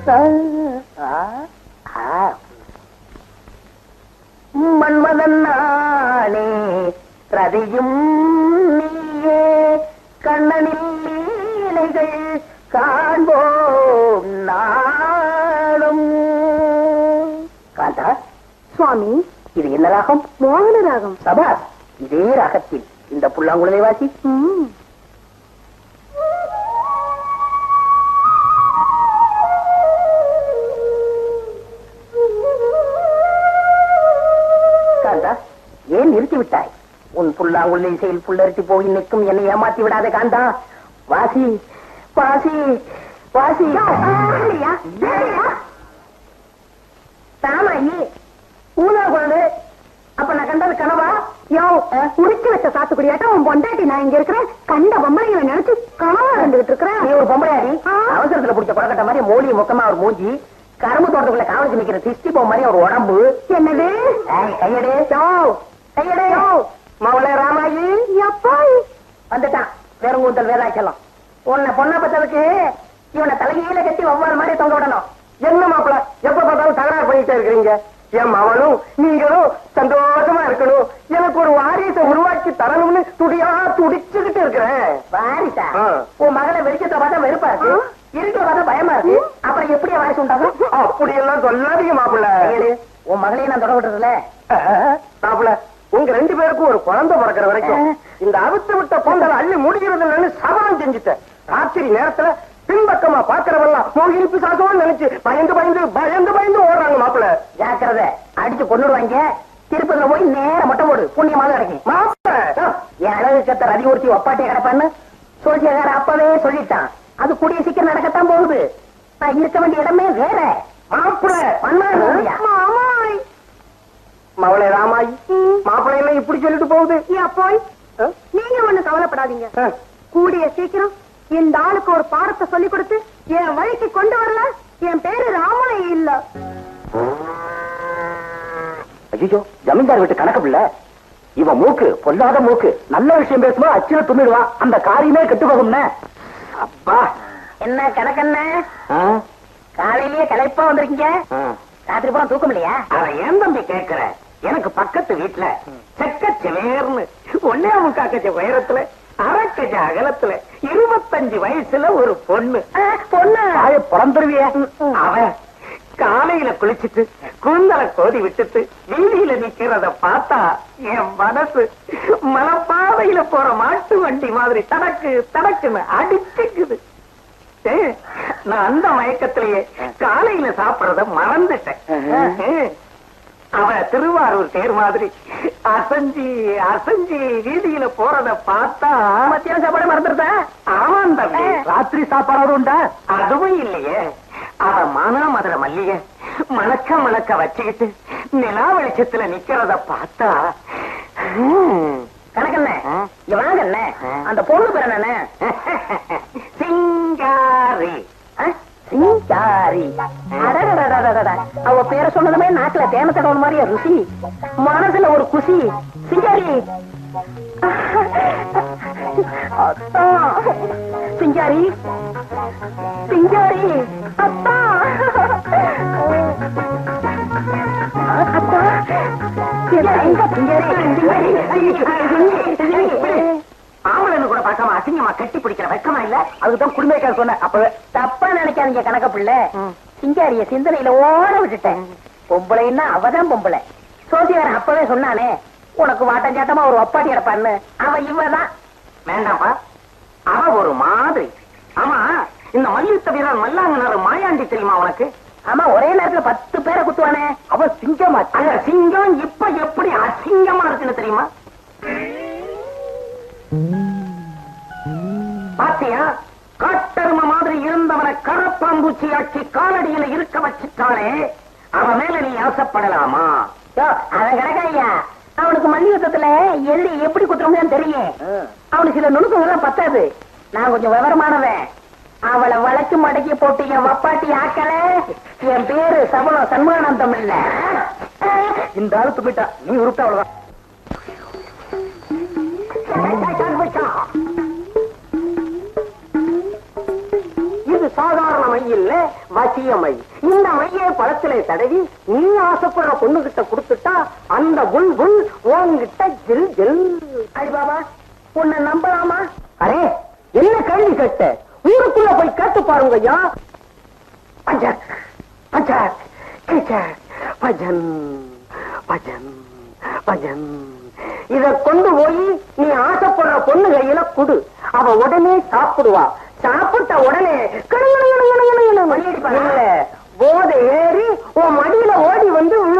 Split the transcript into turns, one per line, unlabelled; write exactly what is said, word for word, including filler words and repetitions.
மன்மதன் நானே ரதியும் நீயே கண்ணனில் லீலைகள் காண்போம் நாளும். காந்தா
சுவாமி,
இது என்ன ராகம்?
மோகன ராகம்.
சபாஸ், இதே ராகத்தில் இந்த புல்லாங்குழலை வாசி. காந்தா, ஏன் நிறுத்தி விட்டாய்? உன் புல்லாங்குழலை செயல் புல்லரித்து போய் நிற்கும் என்னை ஏமாத்தி விடாத காந்தா. வாசி வாசி வாசி. தாமாயி ஊதா குழந்தை. அப்ப நான் கண்டது கனவா? யோ, உரிச்சு வச்ச சாத்துக்குடியாட்டம் உன் பொண்டாட்டி நான் இங்க இருக்கிறேன். கண்ட பொம்பளைங்களை நினைச்சு கனவா இருந்துகிட்டு இருக்கிறேன். நீ ஒரு பொம்பளையாடி, அவசரத்துல பிடிச்ச குழக்கட்ட மாதிரி மோலி முக்கமா ஒரு மூஞ்சி, கரும்பு தோட்டத்துக்குள்ள காவலிச்சு நிக்கிற திஷ்டி போ மாதிரி ஒரு உடம்பு. என்னது கையடே கையடே மவளே ராமாயி. அப்பாய் வந்துட்டான் வேறங்கூந்தல் வேதாச்சலம். உன்னை பொண்ணா பத்ததுக்கு இவனை தலைகையில கட்டி ஒவ்வொரு மாதிரி தொங்க விடணும். என்ன மாப்பிள எப்ப பார்த்தாலும் தகராறு பண்ணிட்டே இருக்கிறீங்க? என் மவனும் நீங்களும் சந்தோஷமா இருக்கணும், எனக்கு ஒரு வாரிசை உருவாக்கி தரணும்னு துடியா துடிச்சுக்கிட்டு இருக்கிறேன். வாரிசா? உன் மகளை வெளிச்சத்தை பார்த்தா வெறுப்பா இருக்கு, இருக்கிற பார்த்தா பயமா இருக்கு. அப்புறம் எப்படி வாரிசு உண்டாகும்? அப்படி எல்லாம் சொல்லாதீங்க மாப்பிள்ள. உன் மகளையும் நான் தொட விட்டுறதுல மாப்பிள்ள. உங்க ரெண்டு பேருக்கும் ஒரு குழந்தை பிறக்கிற வரைக்கும் இந்த அவித்து விட்ட பொங்கலை அள்ளி முடிகிறது சபலம் செஞ்சுட்டேன். ராத்திரி நேரத்துல பின்பக்கமா பாக்குறவெல்லாம் மோகினி பிசாசம் நினைச்சு பயந்து பயந்து பயந்து பயந்து ஓடுறாங்க மாப்பிள்ள. ஜாக்கிரதை, அடிச்சு கொண்டுடுவாங்க. திருப்பதில போய் நேரம் மொட்டை போடு, புண்ணியமாக கிடைக்கும். மாப்பிள்ள என் அழகு கத்த ரதி ஊர்த்தி ஒப்பாட்டிய கிடப்பான்னு சோசியக்கார அப்பவே சொல்லிட்டான். அது கூடிய சீக்கிரம் நடக்கத்தான் போகுது. நான் இருக்க வேண்டிய இடமே வேற. மாப்பிள்ள மாமாய் மவளே ராமாயி, மாப்பிள்ளை எல்லாம் இப்படி சொல்லிட்டு போகுது. போய் நீங்க ஒண்ணு கவலைப்படாதீங்க. கூடிய சீக்கிரம் இந்த ஆளுக்கு ஒரு பாடத்தை சொல்லி கொடுத்து என் வழிக்கு கொண்டு வரல. என் பேரு ராமாயி இல்ல. ஐயோ, ஜமீன்தார் வீட்டு கணக்கு பிள்ளை. இவன் மூக்கு பொல்லாத மூக்கு. நல்ல விஷயம் பேசுமா அச்சுல துண்ணிடுவான். அந்த காரியமே கெட்டு போகும்னே. அப்பா என்ன கணக்கண்ண, காலையிலேயே களைப்பா வந்திருக்கீங்க. ராத்திரி பூரா தூக்கம் இல்லையா? அவன் ஏன் தம்பி கேட்கிற? எனக்கு பக்கத்து வீட்டுல செக்கச்சவேர்னு ஒன்னே முக்காக்கச்ச உயரத்துல அரக்கஜ அகலத்துல இருபத்தஞ்சு வயசுல ஒரு பொண்ணு பொண்ணு பிறந்துருவிய. அவன் காலையில குளிச்சுட்டு கூந்தலை கோதி விட்டுட்டு வீதியில நிக்கிறத பார்த்தா என் மனசு மலப்பாதையில போற மாட்டு வண்டி மாதிரி தடக்கு தடக்குன்னு அடிச்சுக்குது. நான் அந்த மயக்கத்திலேயே காலையில சாப்பிடறத மறந்துட்டேன். அவ திருவாரூர் தேர் மாதிரி அசஞ்சி அசஞ்சி வீதியில போறத பார்த்தா மத்தியான சாப்பாடு மறந்துருத. ஆமாம் தம்பி, ராத்திரி சாப்பாடு உண்டா? அதுவும் இல்லையே. அவ மானாமதுரை மல்லிய மணக்க மணக்க வச்சுக்கிட்டு நிலா வெளிச்சத்துல நிக்கிறத பார்த்தா கணக்கண்ண இவனாங்கண்ண அந்த பொண்ணு பேர் என்ன? சிங்காரி. சிங்காரி. அவ பேரை சொன்னதுமே நாட்டுல தேன தடவை மாதிரியா ருசி, மனசுல ஒரு குசி. சிங்காரி சிங்காரி சிங்காரி அப்பா அப்பா ஆம்பளை கூட பார்க்காம அசிங்கமா கட்டி பிடிக்கிற வெக்கமா இல்ல? அதுக்குதான் குடும்பக்கார சொன்ன. அப்பவே தப்பா நினைக்காதீங்க கணக்க பிள்ளை. சிங்காரிய சிந்தனையில ஓட விட்டுட்டேன். பொம்பளைன்னா அவதான் பொம்பளை. சோசியாரன் அப்பவே சொன்னானே உனக்கு வாட்டம் சாட்டமா ஒரு ஒப்பாட்டி கிடப்பான்னு. அவ இவதான். வேண்டாம்ப்பா, அவ ஒரு மாதிரி. ஆமா, இந்த மல்யுத்த வீரர் மல்லாங்கனார் மாயாண்டி தெரியுமா உனக்கு? ஆமா, ஒரே நேரத்துல பத்து பேரை குத்துவானே. அவ சிங்கமா? அந்த சிங்கம் இப்ப எப்படி அசிங்கமா இருக்குன்னு தெரியுமா? பாத்தியா, காட்டரும மாதிரி இருந்தவனை கரப்பாம்பூச்சி ஆட்சி காலடியில இருக்க வச்சுட்டாலே அவன் மேல நீ ஆசைப்படலாமா? அவன் கிடக்கையா, அவனுக்கு மல்யுத்தத்துல எள்ளி எப்படி குத்துறோம்னு தெரியும். அவனுக்கு சில நுணுக்கங்கள்லாம் பத்தாது. நான் கொஞ்சம் விவரமானவன். அவளை வளைச்சு மடக்கி போட்டு என் வப்பாட்டி ஆக்கல. என் பேரு சபலம் சண்முகானந்தம் இல்ல. இந்த ஆளு துப்பிட்டா, நீ உருட்ட அவ்வளவுதான். இது
சாதாரண மை இல்ல, வசிய மை. இந்த மையை பழத்திலே தடவி நீ ஆசைப்படுற பொண்ணு கிட்ட கொடுத்துட்டா அந்த புல் புல் உன்கிட்ட ஜில் ஜில்.
ஐ பாபா, உன்னை நம்பலாமா?
அரே, என்ன கேள்வி கேட்ட? ஊருக்குள்ள போய் கேட்டு பாருங்க ஐயா. பஜக் பஜக் கிச்சக் பஜன் பஜன் பஜன். இத கொண்டு போய் நீ ஆசைப்படுற பொண்ணு கையில குடு. அவ உடனே சாப்பிடுவா. சாப்பிட்ட உடனே இல்ல, போதை ஏறி உன் மடியில ஓடி வந்து